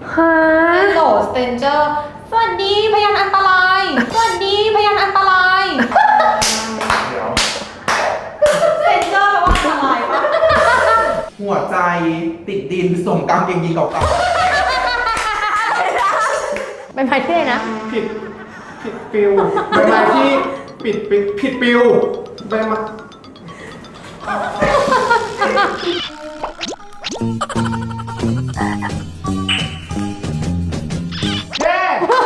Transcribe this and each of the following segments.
ฮะโหลสเตนเจอร์สวัสดีพยานอันตรายสวัสดีพยานอันตรายเดี๋ยวสเตนเจอร์แปลว่าอันตรายปะหัวใจติดดินส่งกางเกงยีนเก่าเป็นไม้ที่ไหนนะๆผิดปิวใบไม้ที่ผิดปิวใบไม้เย้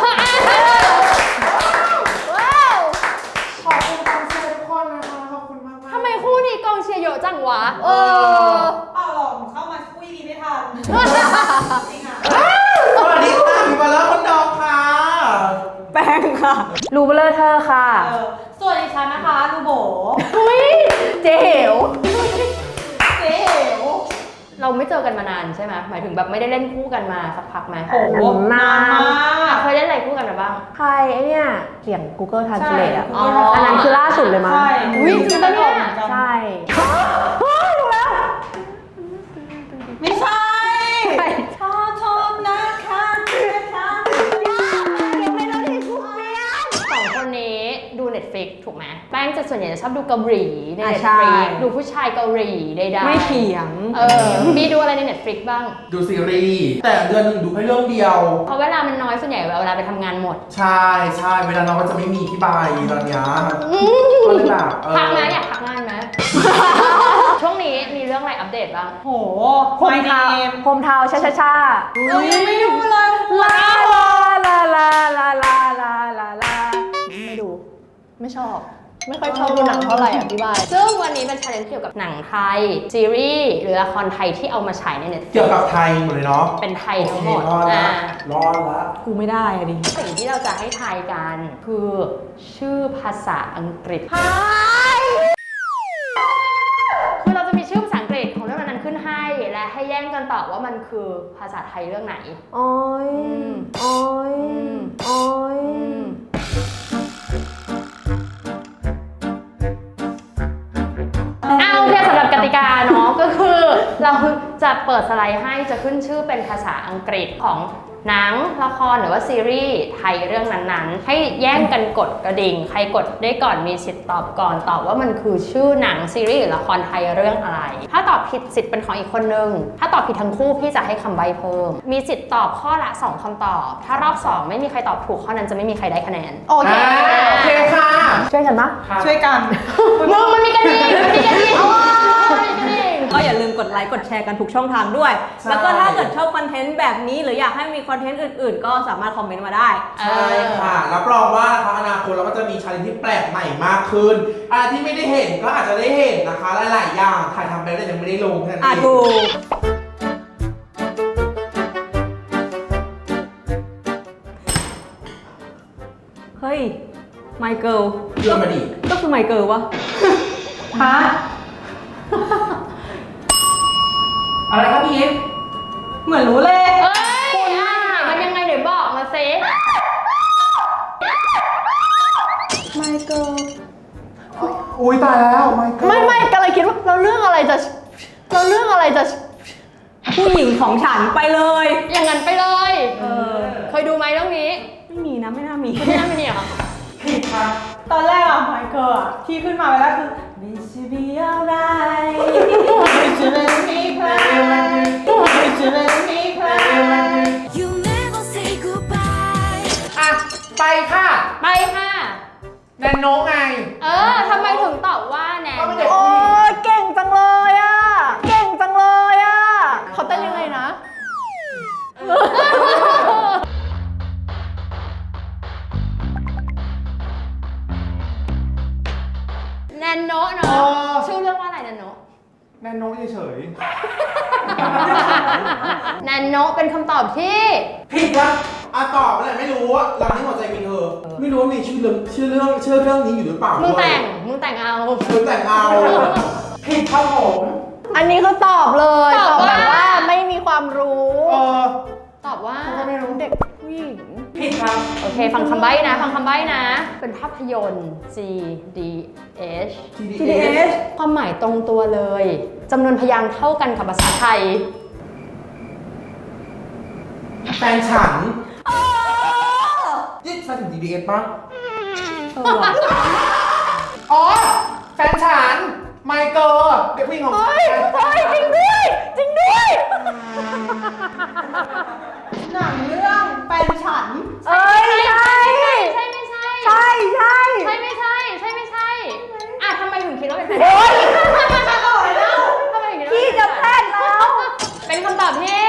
ว้าวขอบคุณกองเชียร์ทุกคนนะคะขอบคุณมากๆทำไมคู่นี้กองเชียร์เยอะจังวะเปล่าหรอกเข้ามาคุยดีไม่ทันจริงอ่ะสวัสดีค่ะพี่บอลเลอร์คนดองค่ะแป้งค่ะ รูเบลอเธอค่ะส่วนดิฉันนะคะลูโบอุ้ยเจ๋วเจ๊เหวเราไม่เจอกันมานานใช่ไหมหมายถึงแบบไม่ได้เล่นคู่กันมาสักพักไหมโอ้โหนานมากเคยเล่นอะไรคู่กันมาบ้างใครไอเนี่ยเสียง Google Translate อ่ะอ๋ออันนั้นคือล่าสุดเลยมั้งใช่อุ๊ยจริงปะเนี่ยใช่ไม่ใช่ขอโทษนะคะที่ทำยังไม่เล่าที่คู่เปียนสองคนนี้ดู Netflix ถูกไหมแป้งจะส่วนใหญ่จะชอบดูเกาหลีในใช่ Netflix ดูผู้ชายเกาหลีใดๆไม่เถียงมีดูอะไรใน Netflix บ้างดูซีรีส์แต่เดือนหนึ่งดูแค่เรื่องเดียวเพราะเวลามันน้อยส่วนใหญ่เวลาไปทำงานหมดใช่เวลาน้องก็จะไม่มีที่บายตอนเนี้ยก็เลยแบบพักไหมอยากพักงานไหม ช่วงนี้มีเรื่องอะไรอัปเดตบ้างโหโฮมทาวโฮมทาวช้าช้าช้าเรายังไม่ดูเลยลาลาลาลาลาลาลาลาไม่ดู ไม่ชอบ ไม่ค่อยชอบดูหนังเท่าไหร่อ่ะพี่บายซึ่งวันนี้เป็น challenge เกี่ยวกับหนังไทย ซีรีส์หรือละครไทยที่เอามาฉายใน Netflix เกี่ยวกับไทยหมดเลยเนาะเป็นไทยทั้งหมดรอดละรอดละกูไม่ได้อะดิสิ่งที่เราจะให้ทายกันคือชื่อภาษาอังกฤษ คือเราจะมีชื่อภาษาอังกฤษของเรื่องนั้นขึ้นให้ และให้แย่งกันตอบว่ามันคือภาษาไทยเรื่องไหนโอ้ยโอ้ยโอ้ยเอาโอเคสำหรับกติกาเนาะ ก็คือเราจะเปิดสไลด์ให้จะขึ้นชื่อเป็นภาษาอังกฤษของหนังละครหรือว่าซีรีส์ไทยเรื่องนั้นๆให้แย่งกันกดกระดิ่งใครกดได้ก่อนมีสิทธิ์ตอบก่อนตอบว่ามันคือชื่อหนังซีรีส์หรือละครไทยเรื่องอะไร ถ้าตอบผิดสิทธิ์เป็นของอีกคนนึงถ้าตอบผิดทั้งคู่พี่จะให้คำใบ้เพิ่มมีสิทธิ์ตอบข้อละ2คำตอบถ้ารอบ2ไม่มีใครตอบถูกข้อนั้นจะไม่มีใครได้คะแนนโอเคโอเคค่ะช่วยกันปะช่วยกันมึงมันมีกระดิ่งมันมีกระดิ่งมันมีกระดิ่งก็อย่าลืมกดไลค์กดแชร์กันทุกช่องทางด้วย แล้วก็ถ้าเกิดชอบคอนเทนต์แบบนี้หรืออยากให้มีคอนเทนต์อื่นๆ ก็สามารถคอมเมนต์มาได้ใช่ค่ะรับรองว่านะคะอนาคตเราก็จะมีชาเลนจ์ที่แปลกใหม่มากขึ้นอะไรที่ไม่ได้เห็นก็อาจจะได้เห็นนะคะหลายๆอย่างถ่ายทำไปแล้วแต่ยังไม่ได้ลงแค่นั้นเองถูกเฮ้ยไมเคิลเรื่องมาดิก็คือไมเคิลวะฮะอะไรครับพี่ยิปเหมือนรู้เลยเอ้ยมันยังไงเดี๋ยวบอกมาสิไมเคิลอุ้ยตายแล้วไม่ไม่กำลังคิดว่าเราเรื่องอะไรจะผู้หญิงของฉันไปเลยอย่างนั้นไปเลย เคยดูไหมเรื่องนี้ไม่มีนะไม่น่ามีไม่น่ามีเหรอผิดค่ะตอนแรกอะไมเคิลอะที่ขึ้นมาไปแล้วคือ This should be alright This should make me cry This should make me cry You never say goodbye. อ่ะไปค่ะไปค่ะแนนโนไงทำไมถึงตอบว่าแนนก็ไม่เด็กโอ้ยเก่งจังเลยอ่ะ เก่งจังเลยอ่ะเขาเต้นยังไงนะแนนโนะเนาะชื่อเรื่องว่าอะไรแนนโนะแนนโนเฉยแนนโนะเป็นคำตอบที่ๆผิดครับอ่ะตอบอะไรไม่รู้อะหลังที่หัวใจมีเธอ ไม่รู้ว่ามีชื่อเรื่องนี้อยู่หรือเปล่ามึงด้วยแต่งเอามึงแต่งเอาผิดครับผมอันนี้คือตอบเลยตอบแบบว่าว่าไม่มีความรู้ตอบว่าเขาไม่รู้เด็กผู้หญิงผิดครับโอเคฟังคำใบ้นะ เป็นภาพยนตร์ GDH TDS ความหมายตรงตัวเลยจำนวนพยางค์เท่ากันกับภาษาไทยแฟนฉันนี่แฟนถึง DBS ป่ะ อ๋อ แฟนฉัน ไมเคิลเด็กผู้หญิงของฉันจริงด้วยจริงด้วยหนังเรื่องแฟนฉันเอ้ยใช่ใช่ไม่ใช่ใช่ใช่ใช่ไม่ใช่ใช่ไม่ใช่อ่ะทำไมถึงคิดว่าเป็นแฟนโอ๊ยทำไมถึงคิดว่าพี่จะแพทย์แล้วเป็นคำตอบที่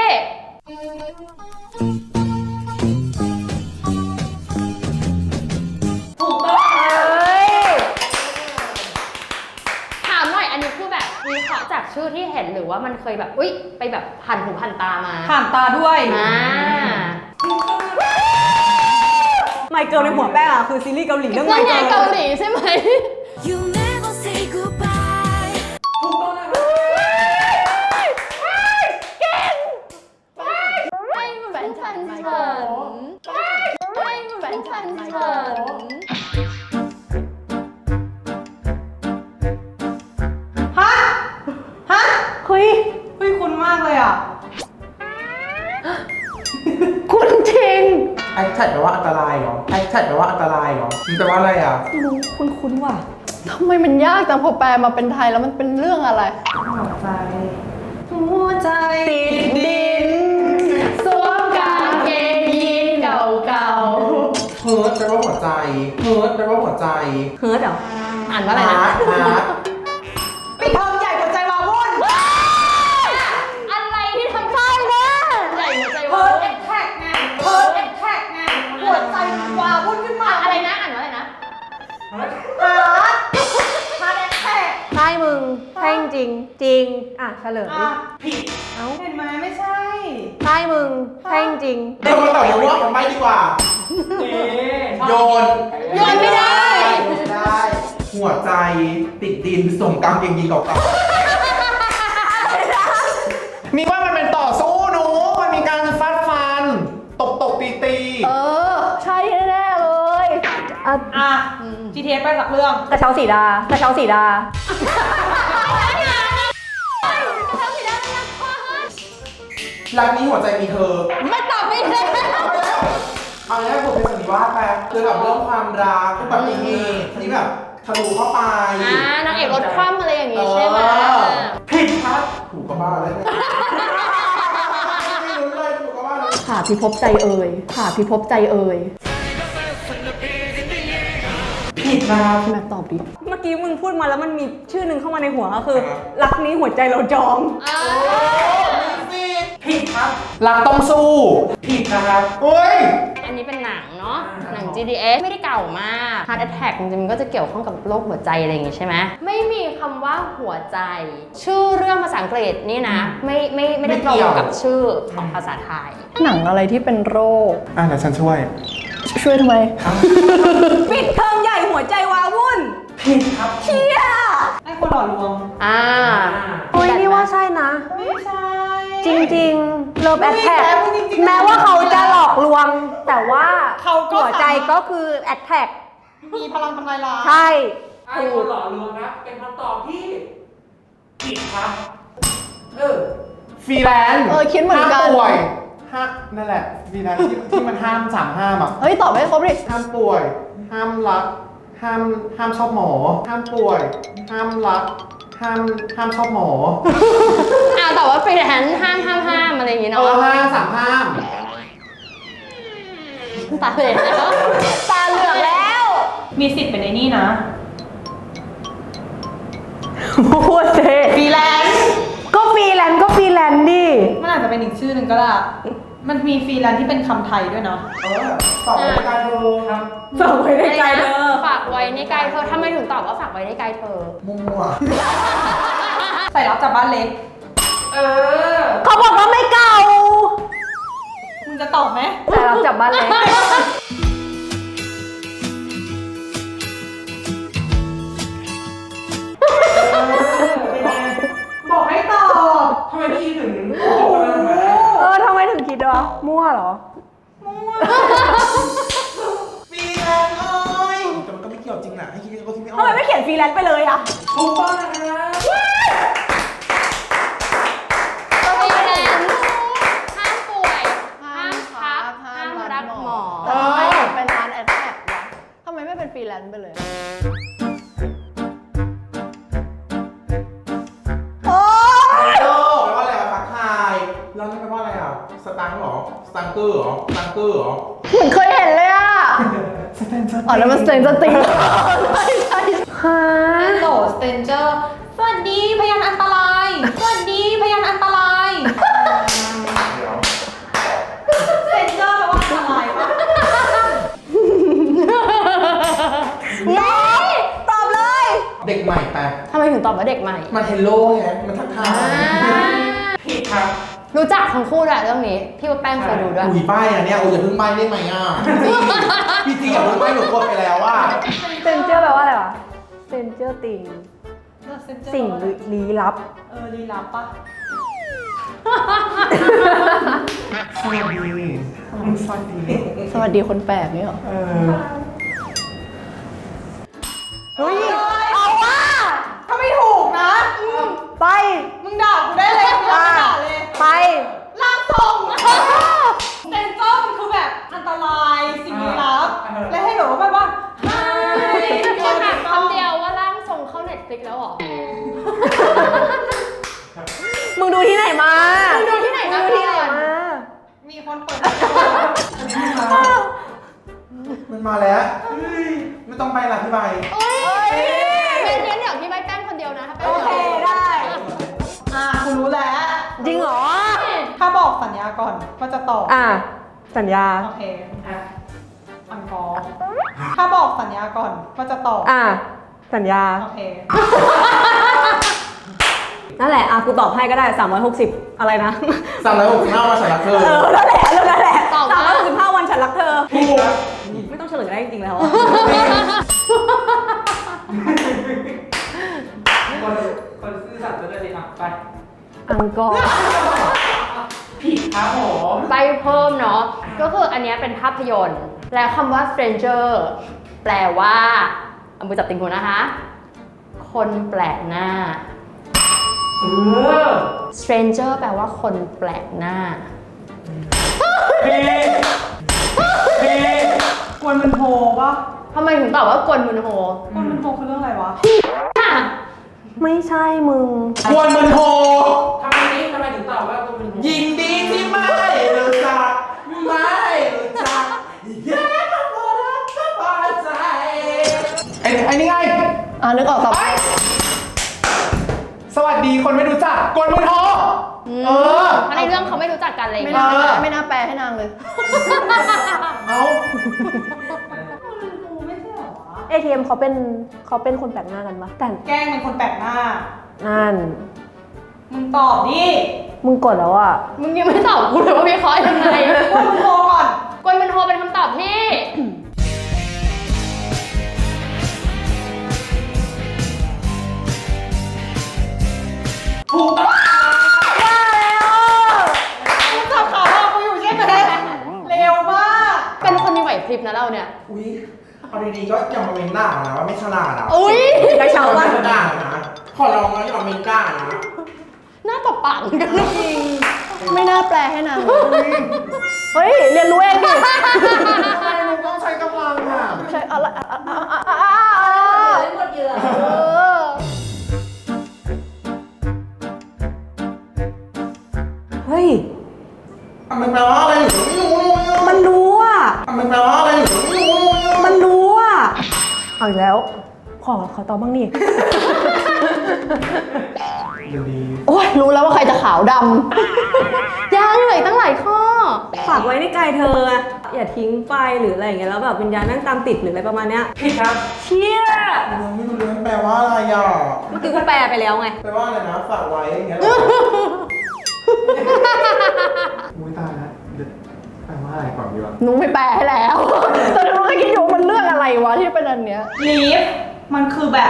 ถูกต้องเอ้ยถามหน่อยอันนี้คือแบบวิเคราะห์จากชื่อที่เห็นหรือว่ามันเคยแบบอุ๊ยไปแบบผ่านหูผ่านตามาผ่านตาด้วยอ่าไมเคิลในหัวแป้งอะคือซีรีส์เกาหลีเรื่องไมนั่นไงเคิลเกาหลีใช่ไหม You never say goodbye ถูกต้องนะครับให้แฟนฉันฉันให้แฟนฉันฉันฮะ ฮะเฮ้ยเฮ้ยคุณมากเลยอ่ะคุณจริงแอคแท็กแปลว่าอันตรายเหรอ แอคแท็กแปลว่าอันตรายเหรอมันแปลว่าอะไรอ่ะรู้คุ้นว่ะทำไมมันยากแต่พอแปลมาเป็นไทยแล้วมันเป็นเรื่องอะไรหัวใจ หัวใจติดดินสวมกางเกงยีนเก่าเฮิร์ตแปลว่าหัวใจ เฮิร์ตแปลว่าหัวใจเฮิร์ตเหรอๆอ่านว่าอะไรนะฮาร์ดปิดเทอมใหญ่หัวใจวาวุ่นอะไรที่ทำได้นะใหญ่หัวใจเพิว่าร์ดแอคแท็กไง เพิร์ดแอคแท็กไง หัวใจวาวุ่นขึ้นมาอะไรนะอ่านว่าอะไรนะฮาร์ดฮาร์ดแอคแท็กใช่มึงใช่จริงจริง อ่ะเฉลยอ่ะผิดเห็นไหมไม่ใช่ใช่มึงใช่จริงเรามาตอบว่าทำไมดีกว่า โยนโยนไม่ได้โยนไม่ได้ หัวใจติดดินส่งกางเกงยีนเก่าๆมีว่ามันเป็นต่อสู้หนู มันมีการฟาดฟัน ตบตีเออ ใช่แน่ๆเลยอ่ะอ่ะ GTS ไปสักเรื่องกระเช้าสีดากระเช้าสีดารักนี้หัวใจมีเธอไม่ตอบไม่ได้เอาง่ายๆผมเป็นสันนิวาสไปเกี่ยวกับเรื่องความรักอุบัติเหตุที่แบบทะลุเข้าไปนางเอกรถคว่ำอะไรอย่างงี้ใช่ไหมผิดครับ ถูกก็บ้าเลยไม่รู้เลยถูกก็บ้าเลยขาพิภพใจเอ่ยขาพิภพใจเอ่ยผิดนะครับพี่แม็กตอบดิ เมื่อกี้มึงพูดมาแล้วมันมีชื่อหนึ่งเข้ามาในหัวก็คือ รักนี้หัวใจเราจองผิดครับ รักต้องสู้ ผิดนะครับเฮ้ยอันนี้เป็นหนังเนาะ หนัง GDS ไม่ได้เก่ามาก Heart Attack จริงๆมันก็จะเกี่ยวข้องกับโรคหัวใจอะไรอย่างงี้ใช่ไหม ไม่มีคำว่าหัวใจ ชื่อเรื่องภาษาอังกฤษนี่นะ ไม่ได้ตรงกับชื่อของภาษาไทยหนังอะไรที่เป็นโรคเดี๋ยวฉันช่วยช่วยทำไม ปิดเทอมใหญ่หัวใจวาวุ่นผิดครับเชี่ยให้คนหล่อลวงโอ้ยนี่ว่าใช่นะไม่ใช่จริงๆ เลิฟแอทแทกจริงๆแม้ว่าเขาจะหลอกลวง แต่ว่าเขาก็หัวใจก็คือแอทแทกมีพลังทำลายล้างใช่ไอ้คนหล่อลวงครับ เป็นคำตอบที่ผิดครับฟรีแลนซ์คิดเหมือนกันห้ามป่วยนั่นแหละฟรีแลนซ์ที่มันห้ามห้ามอ่ะเฮ้ย ตอบไม่ครบดิห้ามป่วย ห้ามรัก ห้ามชอบหมอ ห้ามป่วย ห้ามรัก ห้ามชอบหมอแต่ว่าฟรีแลนซ์ห้ามอะไรอย่างงี้เนาะห้ามตาเหลือกแล้วตาเหลือกแล้วมีสิทธิ์เป็นไอ้นี่นะพูดเซฟรีแลนซ์ก็ฟรีแลนซ์ก็ฟรีแลนซ์ดิมันอาจจะเป็นอีกชื่อหนึ่งก็ได้ มันมีฟรีแลนซ์ที่เป็นคำไทยด้วยเนาะตอบรายการเธอครับฝากไว้ในใจเธอฝากไว้ในกายเธอทำไมถึงตอบว่าฝากไว้ในกายเธอมั่วใส่รับจากบ้านเล็กเขาบอกว่าไม่เก่ามึงจะตอบไหมแต่เราจับบ้านเล็กบอกให้ตอบทำไมพี่ถึงทำไมถึงคิดวะมั่วเหรอฟรีแลนซ์เลยแต่มันก็ไม่เกี่ยวจริงนะให้คิดก็คิดไม่ออกทำไมไม่เขียนฟรีแลนซ์ไปเลยอะถูกต้องนะครับฟรีแลนซ์ห้ามป่วย ห้ามทแลนซ์ไปเลยโอ้แปลว่าอะไรอ่ะทักทายแล้วนั่นแปลว่าอะไรอ่ะสตังค์เหรอสตังเกอร์เหรอสตังเกอร์เหรอเหมือนเคยเห็นเลยอ่ะ อ๋อแล้วมันสเตนจะติงไม่ใช่ฮะฮัลโหลสเตนเจอร์สวัสดีพยานอันตราย สวัสดีพยานอันตรายเดี๋ยวสเตนเจอร์แปลว่าอันตรายปะน้องตอบเลยเด็กใหม่ไปทำไมถึงตอบว่าเด็กใหม่มันเฮลโลแฮะมันทักทายผิดครับรู้จักทั้งคู่ด้วยเรื่องนี้ พี่ว่าแป้งเคยดูด้วยอุ้ยป้ายอ่ะเนี่ยโอ้ยอย่าเพิ่งใบ้ได้ไหมอ่ะพี่จีอย่าเพิ่งใบ้หนูกดไปแล้วว่าเซนเจอร์แปลว่าอะไรวะเซนเจอร์ติง สิ่งลี้ลับลี้ลับปะสวัสดีสวัสดีสวัสดีคนแปลกนี่หรอ เฮ้ย เอาว่าถ้าไม่ถูกนะไปมึงด่ากูได้เลยมึงด่าเลยไปล่างทรงสเตนเจอร์มันคือแบบอันตรายสิ่งลี้ลับ และให้แบบว่าแบบว่าไฮขอถามคำเดียวว่าร่างทรงเข้าเน็ตฟลิกแล้วเหรอมึงดูที่ไหนมามึงดูที่ไหนมามึงดูที่ไหนมามีคนเปิดมันมาแล้วไม่ต้องไปละพี่ใบโอ้ยเดี๋ยวพี่ใบแป้งคนเดียวนะถ้าแป้งโอเคได้คุณรู้แล้วจริงเหรอถ้าบอกสัญญาก่อนก็จะตอบอ่ะ สัญญาโอเคอังกอร์ถ้าบอกสัญญาก่อนก็จะตอบอ่ะ สัญญาโอเคนั่นแหละ อ่ะ กูตอบให้ก็ได้ 360 อะไรนะ 365วันฉันรักเธอนั่นแหละเรื่องนั่นแหละตอบมา 365 วันฉันรักเธอถูกไม่ต้องเฉลยได้จริงๆแล้วอะคนซื่อสัตย์จะได้เลยอ่ะไปอังกอร์ผิดครับผมใบเพิ่มเนาะ ก็คืออันเนี้ยเป็นภาพยนตร์ แล้วคำว่า stranger แปลว่าเอามือจับติ่งหูนะคะ คนแปลกหน้า stranger แปลว่าคนแปลกหน้ากวนมันโฮปะทำไมถึงตอบว่ากวนมุนโฮกวนมันโฮคือเรื่องอะไรวะไม่ใช่มึงกวนมันโหทำไมถึงตอบว่าตัวเป็นยินดีที่ไม่รู้จักไม่รู้จักแค่คำว่ารักสบายใจไอ้นี่ไงอ่ะ นึกออกต่อไปสวัสดีคนไม่รู้จักกวนมันโหเออถ้าในเรื่องเขาไม่รู้จักกันเลยไม่นะน่าไม่น่าแปลให้นางเลยเอาไม่ใช่เหรอวะ ATM เขาเป็นคนแปลกหน้ากันปะแต่แกล้งเป็นคนแปลกหน้านั่นมึงตอบดิมึงกดแล้วอ่ะมึงยังไม่ตอบกูเลยว่าวิเคราะห์ยังไงกวนมันโฮก่อนกวนมุนโฮเป็นคำตอบที่ถูกต้องมึงจับขาเรากูอยู่ใช่ไหมเร็วมากเป็นคนมีไหวพริบนะเราเนี่ยอุ้ยเอาดีๆก็อย่ามาเมนด่านะว่าไม่ฉลาดอ่ะอุ้ยกระเช้าไม่ป่ะด่านะขอร้องนะอย่ามาเมนด่านะหน้าตบปากกันจริง ไม่น่าแปลให้นางเลยเฮ้ย เรียนรู้เองดิทำไมมึงต้องใช้กำลังอ่ะใช่อะไรหมดเยอะเฮ้ยมันแปลว่าอะไรหนูไม่รู้มันรู้อ่ะมันแปลว่าอะไรหนูไม่รู้มันรู้อ่ะ เอาอีกแล้ว ขอตอบบ้างนี่ โอ้ยรู้แล้วว่าใครจะขาวดำยังเหลยตั้งหลายข้อฝากไว้ในใจเธอ อย่าทิ้งไปหรืออะไรอย่างเงี้ยแล้วแบบวิญญาณนั่งตามติดหรืออะไรประมาณเนี้ยผิดครับเชี่ยไม่รู้เรื่องแปลว่าอะไรอ่ะเมื่อกี้กูแปลไปแล้วไงแปลว่าอะไรนะฝากไว้อย่างเงี้ยหรออุ้ยตายแล้วแปลว่าอะไรก่อนดีวะนุ้งไปแปลให้แล้ว แต่นุ้งก็คิดอยู่ว่ามันเรื่องอะไรวะที่เป็นอันเนี้ยลีฟมันคือแบบ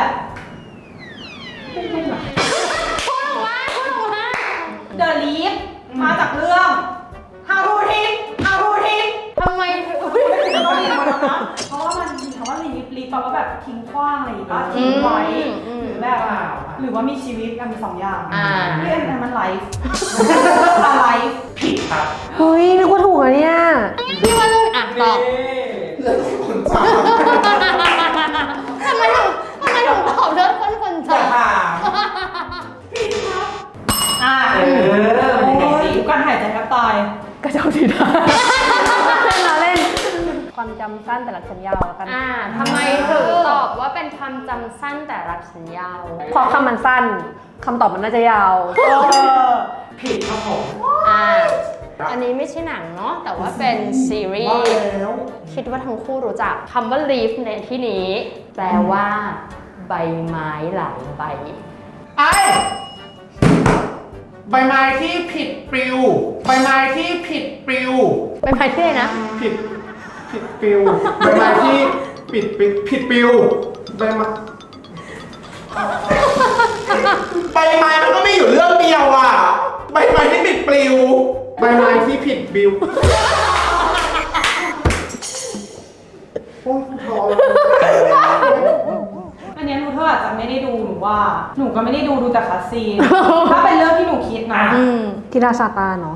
The Leaf มาจากเรื่อง How to Teach How to Teach ทำไมถึงต้องเรียนมาแล้วนะเพราะว่ามันมีคำว่า leaf leaf แปลว่าแบบทิ้งขว้างอะไรอย่างเงี้ยทิ้งไว้หรือแบบหรือว่ามีชีวิตกันมีสองอย่างเรื่องนั้นมันไลฟ์ไลฟ์ผิดครับเฮ้ยนึกว่าถูกอะเนี่ยพี่ว่าเรื่องอ่ะตอบเรื่องคนจ้าความจำสั้นแต่รักฉันยาวแล้วกันทำไมถึงตอบว่าเป็นความจำสั้นแต่รักฉันยาวเพราะคำมันสั้นคำตอบมันน่าจะยาวผิดครับผมอันนี้ไม่ใช่หนังเนาะแต่ว่าเป็นซีรีว่าส์แล้วคิดว่าทั้งคู่รู้จักคำว่า leaf ในที่นี้ แปลว่า ใบไม้หลายใบไอ้ใบไม้ที่ผิดปลิว ใบไม้ที่ผิดปลิวใบไม้ที่ไหนนะผิดปลิว ใบไม้ที่ผิดปลิว ใบไม้ใบไม้มันก็ไม่อยู่เรื่องเดียวอ่ะ ใบไม้ที่ผิดปลิว ใบไม้ที่ผิดปลิวโอ้ยพออันเนี้ยรู้เธออาจจะไม่ได้ดูหนูว่า หนูก็ไม่ได้ดูแต่คัสซีน ถ้าเป็นเรื่องที่หนูคิดนะกีฬาซาตานเนาะ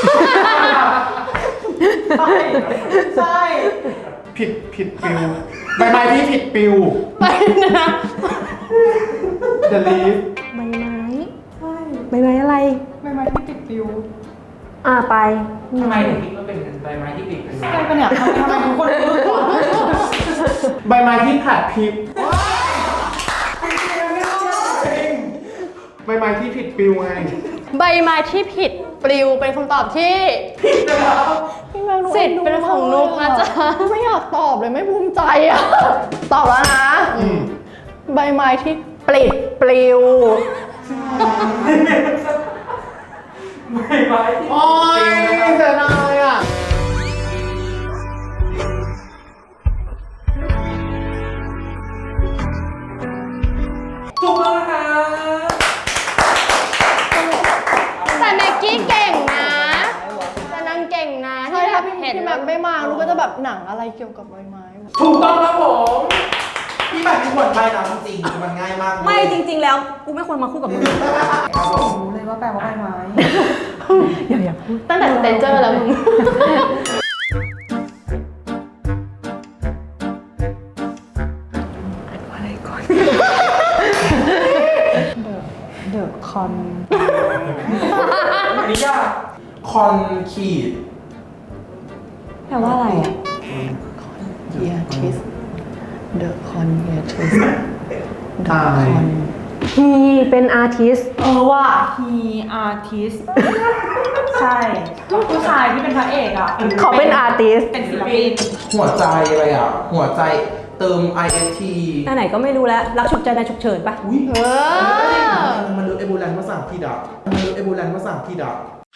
ใช่ใช่ผิดปลิว ใบไม้ที่ผิดปลิวไปนะ The leaf ใบไม้ใช่ใบไม้อะไรใบไม้ที่ติดปิวไปทำไมถึงคิดว่าเป็นใบไม้ที่ติดเป็นใช่ปะเนี่ยทำไมทุกคนรู้ก่อนใบไม้ที่ผัดพริบใบไม้ที่ผิดปลิวไงใบไม้ที่ผิดปลิวเป็นคำตอบที่สิทธิ์เป็นของนุกนะจ๊ะไม่อยากตอบเลยไม่ภูมิใจอ่ะ ตอบแล้วนะ ใบไม้ที่ปลิวใบไม้ที่โอ้ยเสียดายอ่ะถูกแล้วนะคะแต่แม็กกี้เก่งนะแต่นางเก่งนะใช่ถ้าพี่เห็นแม็กไม่มาลูกก็จะแบบหนังอะไรเกี่ยวกับใบไม้ถูกต้องครับผมพี่แบบที่ควรไปนะจริงๆมันง่ายมากเลยไม่จริง ๆ แล้วกูไม่ควรมาคู่กับมึงรู้เลยว่าแปลว่าใบไม้อย่าพูดตั้งแต่สเตนเจอร์แล้วมึงเดอะคอนอันนี้ยากคอนขีดแปลว่าอะไรอ่ะ เฮียทิส เดอะคอนเฮียทิสตายฮีเป็นอาร์ติสว่า he artist ใช่ผู้ชายที่เป็นพระเอกอ่ะเขาเป็นอาร์ติสเป็นศิลปินหัวใจอะไรอ่ะ หัวใจเติม IST อันไหนก็ไม่รู้แล้วรักฉุกใจในฉุกเฉินปะอุ้ยอมันรู้เอโบแลนภาษาอังกฤษอ่ะมันรู้เอโบแลนภาษาอังกฤษอ่ะ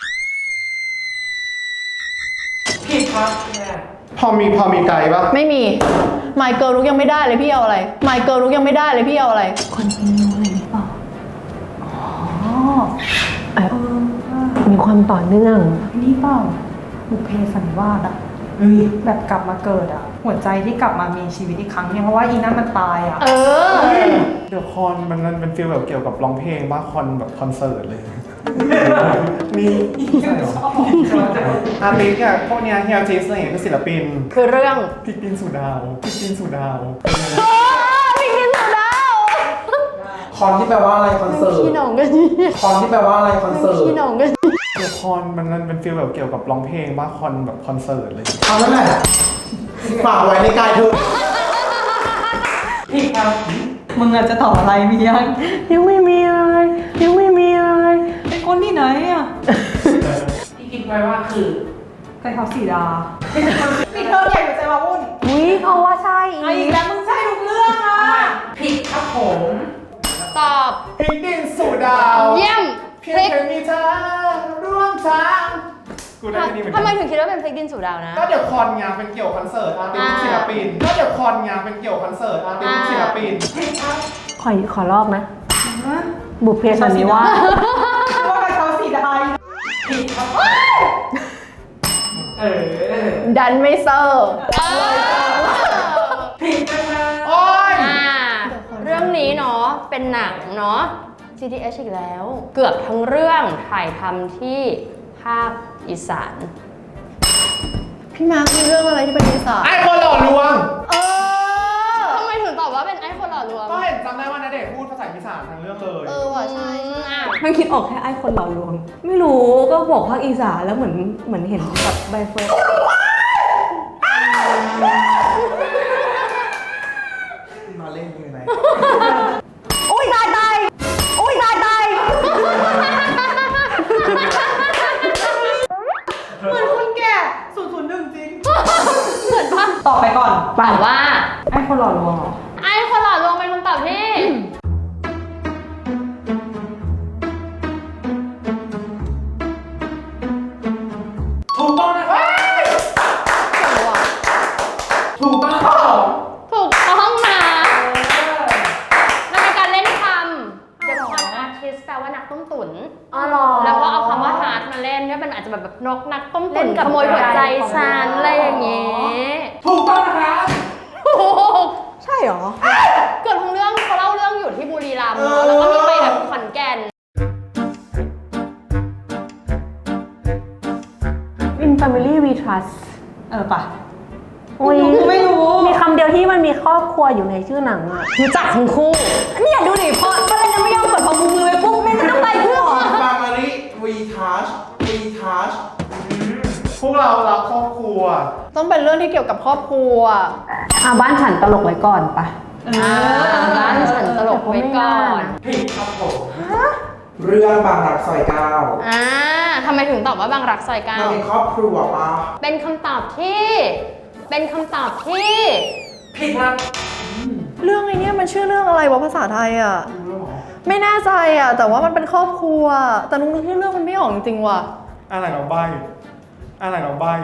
ผิดครับแม่พอมีไกลปะไม่มีไมเกิลลุกยังไม่ได้เลยพี่เอาอะไรไมเกิลลุกยังไม่ได้เลยพี่เอาอะไรคอนติเนียอะไรหรือเปล่าอ๋อแบบมีความต่อเนื่องนี่เปล่าบุพเพสันนิวาสอะแบบกลับมาเกิดอะหัวใจที่กลับมามีชีวิตอีกครั้งเนี่ยเพราะว่าอีนั่นมันตายอะเออเดี๋ยวคอนมันเป็นฟีลแบบเกี่ยวกับร้องเพลงว่าคอนแบบคอนเสิร์ตเลย มีอาร์ติสต์อะพวกเนี้ยเฮียจิสอะไรอย่างเงี้ยคือศิลปินคือเรื่องพลิกดินสู่ดาวพลิกดินสู่ดาวพิงกินสุดาวคอนที่แปลว่าอะไรคอนเสิร์ตขี้หนองกันนี่คอนที่แปลว่าอะไรคอนเสิร์ตขี้หนองกันเดี๋ยวคอนมันเป็นฟีลแบบเกี่ยวกับร้องเพลงว่าคอนแบบคอนเสิร์ตเลยเอาแล้วแหละฝากไว้ในกายเธอผิดครับมึงอะจะตอบอะไรมียังยังไม่มีอะไรยังไม่มีอะไรเป็นคนที่ไหนอะที่คิดไว้ว่าคือใจเขาสีดาปิดเทอมใหญ่หัวใจมาวุ่นอุ้ยเขาว่าใช่ไอ้อีกแล้วมึงใช่ทุกเรื่องอะผิดครับผมตอบพลิกดินสู่ดาวเยี่ยมเพียพงลิกแค่มีเธอร่วมทางกูได้แค่นี้เหมือนทำไมกันถึงคิดว่าเป็นพลิกดินสู่ดาวนะก็เดี๋ยวคอนไงเป็นเกี่ยวคอนเสิร์ตอาร์ติสต์ศิลปินก็เดี๋ยวคอนไงเป็นเกี่ยวคอนเสิร์ตอาร์ติสต์ศิลปินขอลอกนะ บุพเพสันนิวาสว่าใจเขาสีดาผิดครับเออดันไม่เซอร์ผิดนะคะโอ้ยเรื่องนี้เนาะเป็นหนังเนาะ GTH อีกแล้ว เกือบทั้งเรื่องถ่ายทำที่ภาคอีสานพี่มาร์คมีเรื่องอะไรที่เป็นนิสัยไอ้คนหล่อลวงทำไมถึงตอบว่าเป็นไอ้คนหล่อลวงก็เห็นจำได้ว่าณเดชน์พูดภาษาอีสานทั้งเรื่องเลยว่ะใช่อ่ะมันคิดออกแค่ไอ้คนหล่อลวง ไม่รู้ก็บอกภาคอีสานแล้วเหมือนเห็นแบบใบเฟิร์นตอบไปก่อนตอบว่าไอ้คนหล่อลวงเหรอไอ้คนหล่อลวงเป็นคำตอบที่ถูกต้องนะครับถูกต้องครับผมถูกต้องนะมันเป็นการเล่นคำ The Con Artist แปลว่านักต้มตุ๋นอ๋อเหรอแล้วก็เอาคำว่า heart มาเล่นก็เป็นอาจจะแบบนกนักต้มเล่ตุ๋นนกับขโมยหัวใจใจของฉันเราอะไรอย่างเงี้ยถูกต้องนะครับถูกใช่เหรอเกือบทั้งเรื่องเขาเล่าเรื่องอยู่ที่บุรีรัมย์เนอะแล้วก็มีไปแบบขอนแก่น In Family We Trust ปะอุ้ยไม่รู้มีคำเดียวที่มันมีครอบครัวอยู่ในชื่อหนังอ่ะรู้จักทั้งคู่เนี่ยดูดิพอก็เลยยังไม่ยอมกดพอมือไว้ปุ๊บแม่งก็ต้องไปเพื่อ Family We Touch We Touch พวกเรารักครอบครัวต้องเป็นเรื่องที่เกี่ยวกับครอบครัวบ้านฉันตลกไว้ก่อนปะร้านฉันตลกไว้ก่อนผิดครับผมเรื่องบางรักซอยเก้าทำไมถึงตอบว่าบางรักซอยเก้ามันเป็นครอบครัวปะเป็นคำตอบที่ เป็นคำตอบที่ผิดครับเรื่องไอ้เนี่ยมันชื่อเรื่องอะไรวะภาษาไทยอ่ะ ไม่แน่ใจอ่ะ แต่ว่ามันเป็นครอบครัว แต่นุ้งนึกชื่อเรื่องมันไม่ออกจริงๆว่ะอะไรเราใบอะไรเราใบ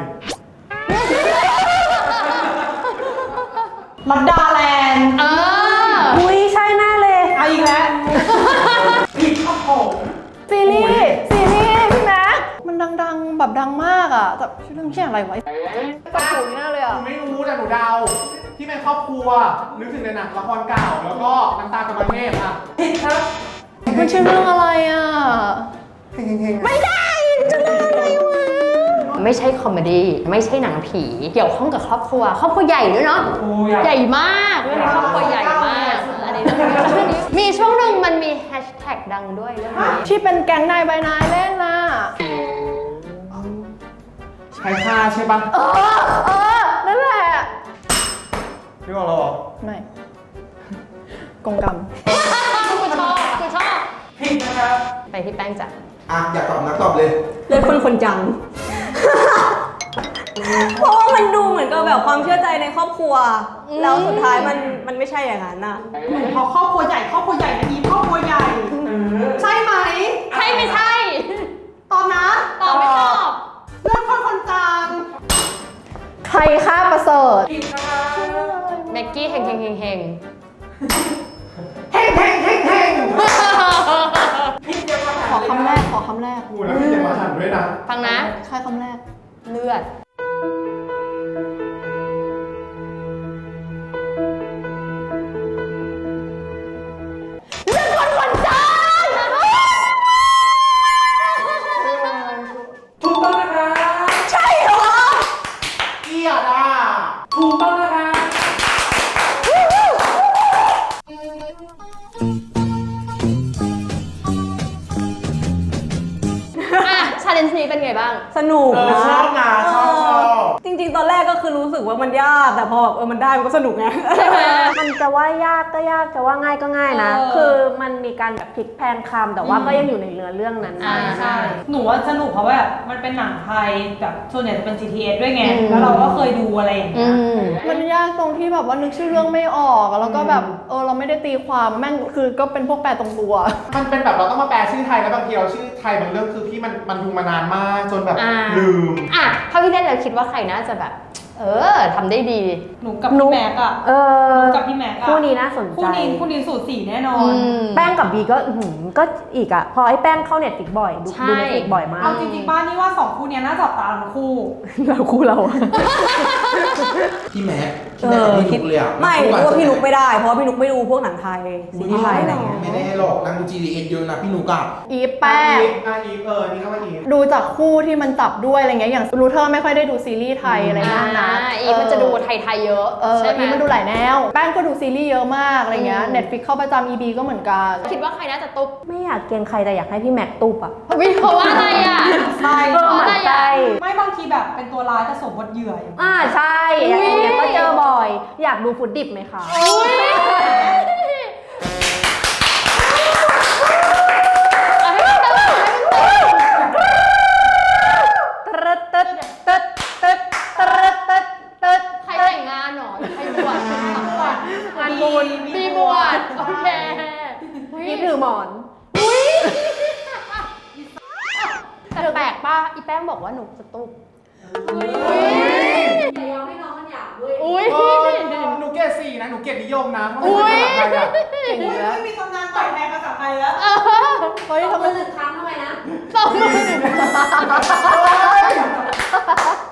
ลัดดาแลนด์อุ้ยใช่แน่เลยเอาอีกแล้วผิดครับผมซีรีส์พี่แม็กมันดังๆแบบดังมากอ่ะ แต่ชื่อเรื่องชื่ออะไรวะตะปูนี่น่าเลยหอ่ะนูไม่รู้แต่หนูเดา ที่เป็นครอบครัว นึกถึงในหนังละครเก่า แล้วก็น้ำตากำมะเทพอ่ะผิดครับมันชื่อเรื่องอะไรอ่ะเฮงๆไม่ได้จะเรื่องอะไรวะไม่ใช่คอมเมดี้ ไม่ใช่หนังผี เกี่ยวข้องกับครอบครัว ครอบครัวใหญ่ด้วยเนาะโอ้ยใหญ่มากเรื่องนี้ครอบครัวใหญ่มากอันนี้เรื่องนี้มีช่วงหนึ่งมันมีแฮชแท็กดังด้วยเรื่องนี้ที่เป็นแก๊งนายใบนายเล่นน่ะใช้ค่าใช่ปะนั่นแหละพี่บอกเราเหรอไม่ กงกรรมกูชอบผิดนะครับไปที่แป้งจ้ะอ่ะอยากตอบนักตอบเลยเลยคนจัง เพราะว่ามันดูเหมือนกับแบบความเชื่อใจในครอบครัว แล้วสุดท้ายมันไม่ใช่อย่างนั้นน่ะพอครอบครัวใหญ่นะอีฟครอบครัวใหญ่ ใช่ไหมใช่ไม่ใช่ตอบนะตอบไม่ตอบเรื่องคนจางใครฆ่าประเสริฐผิดนะครับเมกกี้เฮงผิดยังมาขอคำแรก ขอคำแรกกูแล้วพี่จะมาหันด้วยนะฟังนะใครคำแรกเลือดถูกต้องนะครับเกียดอ่ะถูกต้องนะครับชาเลนจ์นี้เป็นไงบ้างสนุกนะชอบนะชอบจริงๆ ตอนแรกก็คือรู้สึกว่ามันยาก แต่พอแบบมันได้มันก็สนุกไง มันจะว่ายากก็ยาก จะว่าง่ายก็ง่ายนะ คือมันมีการแบบพลิกแพลงคำแต่ว่าก็ยังอยู่ในเนื้อเรื่องนั้นนะใช่หนูว่าสนุกเพราะว่าแบบมันเป็นหนังไทยแบบส่วนใหญ่จะเป็น GTS ด้วยไงอืมแล้วเราก็เคยดูอะไรอย่างเงี้ยมันยากตรงที่แบบว่านึกชื่อเรื่องไม่ออกอะแล้วก็แบบเราไม่ได้ตีความแม่งคือก็เป็นพวกแปลตรงตัวมันเป็นแบบเราต้องมาแปลชื่อไทยแล้วบางทีเราชื่อไทยบางเรื่องคือพี่มันดูมานานมากจนแบบลืมถ้าพี่เล่นเราคิดว่าใครน่าจะแบบ ทำได้ดีหนูกับพี่แม็กอะ หนูกับพี่แม็กอะคู่นี้น่าสนใจคู่นี้สูสีแน่นอนแป้งกับบีก็ก็อีกอะพอไอ้แป้งเข้าเน็ตฟิกบ่อย ดูใช่เน็ตฟิกบ่อยมากเอาจริงๆบ้านนี่ว่าสองคู่เนี้ยน่าจับตาทั้งคู่เราคู่เราพี่แม็กกับพี่นุกเลยอ่ะไม่รู้ว่าพี่นุกไม่ได้ เพราะว่าพี่นุกไม่ดูพวกหนังไทยซีรีส์ไทยอะไรเงี้ยไม่ได้หรอกนั่งดู GDS เยอะนะพี่นุกอ่ะอีฟแป้งอีฟนี่เข้ามาอีฟดูจากคู่ที่มันจับด้วยอะไรเงี้ยอย่างรูเทอร์ไม่ค่อยได้ดูซีรีส์ไทยอะไรเงี้ยนะอีฟมันจะดูไทยๆเยอะใช่ไหมอีฟมันดูหลายแนว แป้งก็ดูซีรีส์เยอะมากอะไรเงี้ยเน็ตฟิกเข้าประจำ EB ก็เหมือนกันคิดว่าใครน่าจะตุ๊บไม่อยากเกรงใครแต่อยากให้พี่แม็กตุบอะวิเพราะว่าอะไรอ่ะใช่เออหมั่นใจไม่บางทีแบบเป็นตัวร้ายแต่สมบทเหยื่ออย่างเงี้ยใช่อย่างเงี้ยก็เจอบ่อย อยากดูฟุตดิบไหมคะใครแต่งงานคุณปีบวชโอเคยิบถือหมอนแต่แปลกป่ะอีแป้งบอกว่าหนูสตุกอุ้ยเออหนูเกรด4นะ หนูเกรดนิยมนะเพราะอุ๊มันยเป็นภาษาไทยอะเก่งอยู่แล้วไม่มีตำนานต่อยแทนภาษาไทยแล้วเฮ้ยทำไมสองมือ